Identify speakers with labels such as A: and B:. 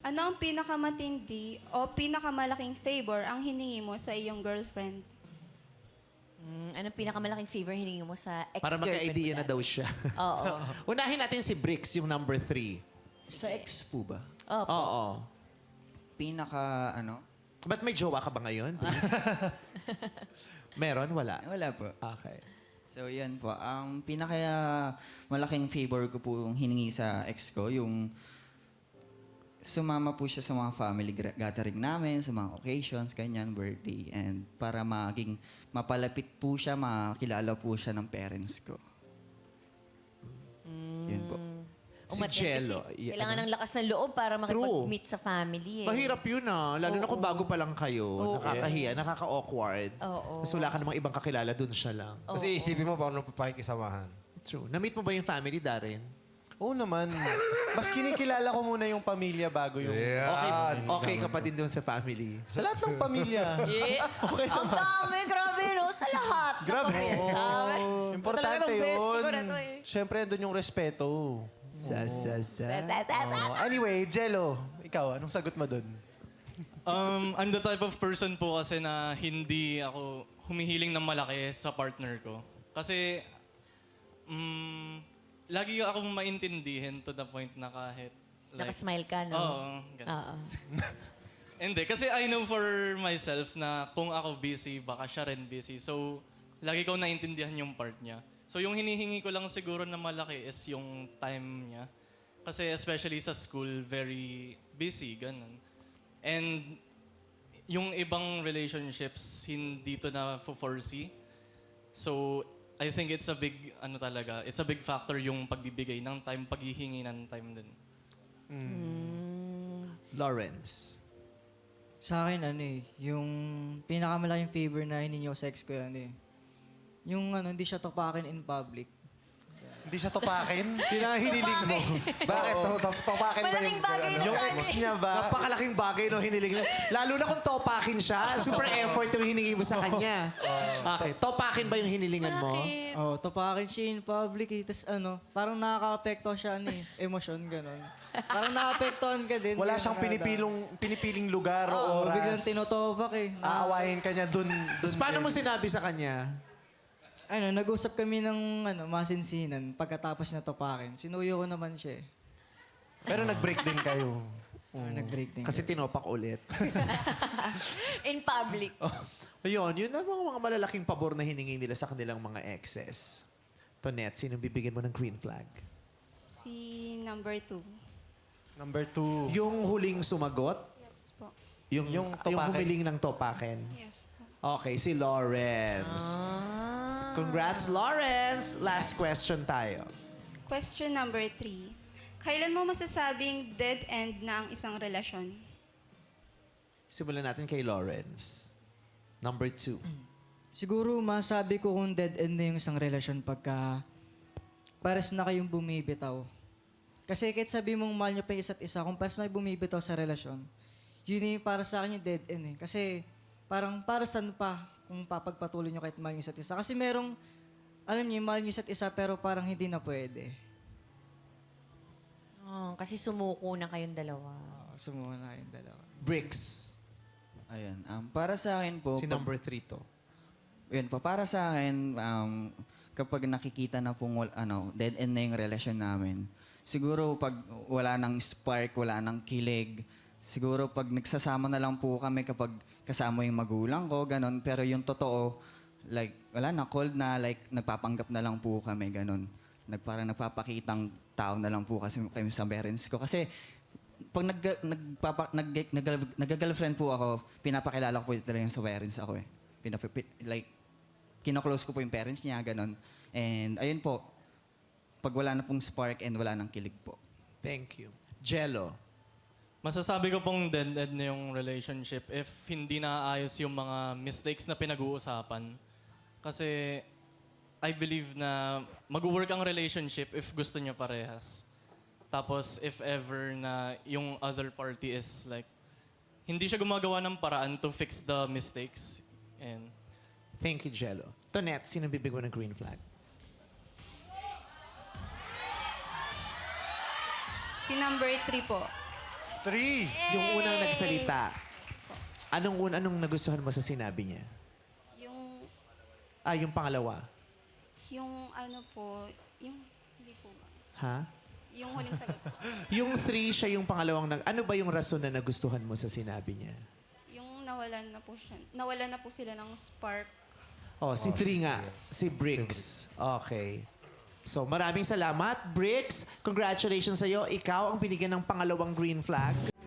A: Ano ang pinakamatindi o pinakamalaking favor ang hiningi mo sa iyong girlfriend?
B: Anong pinakamalaking favor hiningi mo sa ex-girlfriend
C: Para magka-idea
B: mo
C: na daw siya.
B: Oo.
C: Unahin natin si Bricks, yung number 3.
D: Sa ex po ba?
B: Opo.
C: Oo.
D: Pinaka, ano?
C: Ba't may jowa ka ba ngayon? Meron? Wala?
D: Wala po.
C: Okay.
D: So, yan po. Ang pinaka malaking favor ko po yung hiningi sa ex ko, yung sumama po siya sa mga family gathering namin, sa mga occasions, ganyan, birthday. And para maging mapalapit po siya, makilala po siya ng parents ko. Yun po.
C: Si Jello.
B: Kasi kailangan ng lakas ng loob para makipag-meet sa family.
C: Mahirap yun Lalo na kung bago pa lang kayo. Nakakahiya, nakaka-awkward.
B: Oo.
C: Tapos wala ka namang ibang kakilala, dun siya lang.
E: Kasi isipin mo paano papakikisamahan.
C: True. Na-meet mo ba yung family, Darren?
F: Oo naman. Mas kinikilala ko muna yung pamilya bago yung...
C: Okay ka pa din dun sa family.
F: Sa lahat ng pamilya. Okay
B: Ang
F: naman.
B: dami, grabe, no? Sa lahat.
F: Grabe.
B: Sabi.
F: Importante
B: Talagang bestie ko na
F: yun.
B: to eh.
F: Siyempre, doon yung respeto. Anyway, Jello, ikaw, anong sagot mo doon?
G: I'm the type of person po kasi na hindi ako humihiling ng malaki sa partner ko. Kasi, lagi akong maintindihin to the point na kahit...
B: Nakasmile ka, no?
G: Oo. ganun.
B: Oo.
G: Hindi, kasi I know for myself na kung ako busy, baka siya rin busy. So, lagi ko naintindihan yung part niya. So, yung hinihingi ko lang siguro na malaki is yung time niya. Kasi especially sa school, very busy, ganun. And yung ibang relationships, hindi to na foresee. So, I think it's a big, it's a big factor yung pagbibigay ng time, paghihingi ng time din.
C: Lawrence.
H: Sa akin, yung pinakamalaking favor na hiningi ko sa ex ko yung hindi siya topakin in public.
F: Hindi siya topakin?
C: Pinahiniling mo.
F: Bakit? Topakin ba
B: Malaking bagay na
F: Yung
B: sa
F: ex niya ba?
C: Napakalaking bagay no hiniling. Lalo na kung topakin siya. Super effort yung hiningi mo sa kanya. Okay. Topakin ba yung hinilingan mo?
H: Oh, topakin siya in public. Tapos parang nakaka-apekto siya emosyon, gano'n. Parang nakapektuhan ka din.
F: Wala siyang pinipiling lugar o oras.
H: Biglang tinotopak
F: Aawahin ka niya dun
C: Tapos paano mo sinabi sa kanya?
H: Nag-usap kami ng masinsinan pagkatapos na topakin. Sinuyo ko naman siya
F: Pero nag-break din kayo.
H: Nag-break din.
C: Kasi tinopak ulit.
B: In public.
C: Ayun, yun ang mga malalaking pabor na hiningi nila sa kanilang mga exes. Tonette, sinong bibigyan mo ng green flag?
A: Si number 2.
F: Number 2.
C: Yung huling sumagot?
A: Yes po.
C: Yung
F: topakin.
C: humiling ng topakin?
A: Yes po.
C: Okay, si Lawrence. Congrats, Lawrence! Last question tayo.
A: Question number 3. Kailan mo masasabing dead end na ang isang relasyon?
C: Simulan natin kay Lawrence. Number 2.
H: Siguro masabi ko kung dead end na yung isang relasyon pagka pares na kayong bumibitaw. Kasi kahit sabi mong mahal niyo pa yung isa't isa, kung pares na kayo bumibitaw sa relasyon, yun yung para sa akin yung dead end Kasi parang para saan pa kung papagpatuloy nyo kahit mahal nyo isa't isa. Kasi merong, alam niyo, mahal nyo isa't isa pero parang hindi na pwede.
B: Kasi sumuko na kayong dalawa.
H: Sumuha na kayong dalawa.
C: Bricks.
D: Ayun. Para sa akin po...
C: Si number 3 to.
D: Yun po, para sa akin, kapag nakikita na pong dead end na yung relasyon namin, siguro pag wala nang spark, wala nang kilig, siguro pag nagsasama na lang po kami kapag kasama yung magulang ko, ganon. Pero yung totoo, like, wala na, cold na, like, nagpapanggap na lang po kami, ganon. Parang nagpapakitang tao na lang po kasi kami sa parents ko. Kasi pag nag-girlfriend po ako, pinapakilala ko po talaga sa parents ako like, kino-close ko po yung parents niya, ganon. And ayun po, pag wala na pong spark and wala nang kilig po.
C: Thank you. Jello.
G: Masasabi ko pong dead-end na yung relationship if hindi naayos yung mga mistakes na pinag-uusapan. Kasi I believe na mag-work ang relationship if gusto niya parehas. Tapos if ever na yung other party is like, hindi siya gumagawa ng paraan to fix the mistakes. And
C: Thank you, Jello. Tonette, sino bibigyan mo ng green flag?
A: Si number 3 po.
E: 3.
C: Yung unang nagsalita. Anong nagustuhan mo sa sinabi niya?
A: Yung
C: Yung pangalawa.
A: yung ano po, yung hindi po ba?
C: Ha?
A: Yung huling sagot po.
C: Yung 3, siya yung pangalawang ano ba yung rason na nagustuhan mo sa sinabi niya?
A: Yung nawalan na po siya. Nawalan na po sila ng spark.
C: Oh, si 3 nga. Si Briggs. Okay. So, maraming salamat, Briggs. Congratulations sa'yo. Ikaw ang binigyan ng pangalawang green flag.